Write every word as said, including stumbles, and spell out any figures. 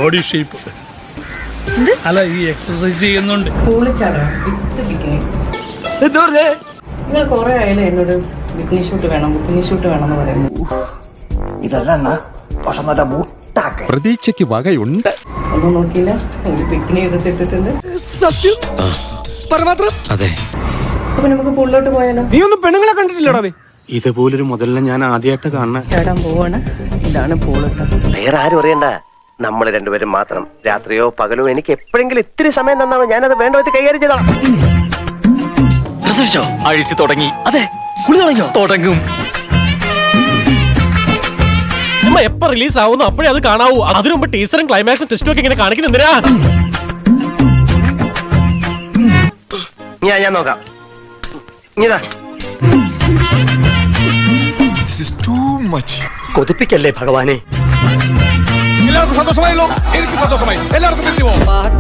Body shape. അല്ല, ഈ exercise ചെയ്യുന്നുണ്ട്. നിങ്ങൾ കുറെ ആയാലും എന്നോട് ബിക്കിനി ഷൂട്ട് വേണം ബിക്കിനി ഷൂട്ട് വേണം എന്ന് പറയുന്നു. ഇതല്ല പക്ഷെ നല്ല മുട്ടാക്ക പ്രതീക്ഷയ്ക്ക് വകയുണ്ട്. ഒന്നും നോക്കിയില്ല, ഒരു ബിക്കിനി എടുത്തിട്ടിട്ടുണ്ട്. സത്യം അതെ. അപ്പൊ നമുക്ക് പുള്ളോട്ട് പോയാലോ? നീ ഒന്നും പെണ്ണുങ്ങളെ കണ്ടിട്ടില്ലടാ. ഇതുപോലൊരു മുതലിനെ ഞാൻ ആദ്യമായിട്ട് കാണുന്ന. ചേടാൻ പോവാണ്. ഇതാണ് പൂളത്ത്. വേറെ ആരും അറിയണ്ട, നമ്മൾ രണ്ടുപേരും മാത്രം. രാത്രിയോ പകലോ എനിക്ക് എപ്പോഴെങ്കിലും ഇത്തിരി സമയം തന്നാമോ, ഞാനത് വേണ്ട വിധത്തിൽ കൈകാര്യം ചെയ്തോളാം. അഴിച്ചു തുടങ്ങി. അതെ, കുളി തുടങ്ങിയോ? തുടങ്ങും. എപ്പോ റിലീസ് ആവുന്നു അപ്പോഴേ അത് കാണാവൂ. അതിനു മുമ്പ് ടീസറും ക്ലൈമാക്സും ടെസ്റ്റും ഒക്കെ ഇങ്ങനെ കാണിക്കുന്നെന്തിനാ? ഞാൻ ഞാൻ നോക്കാം. ഇതാ കൊതിപ്പിക്കല്ലേ ഭഗവാനെ. എല്ലാവർക്കും സന്തോഷമായല്ലോ? എനിക്ക് സന്തോഷമായി. എല്ലാവർക്കും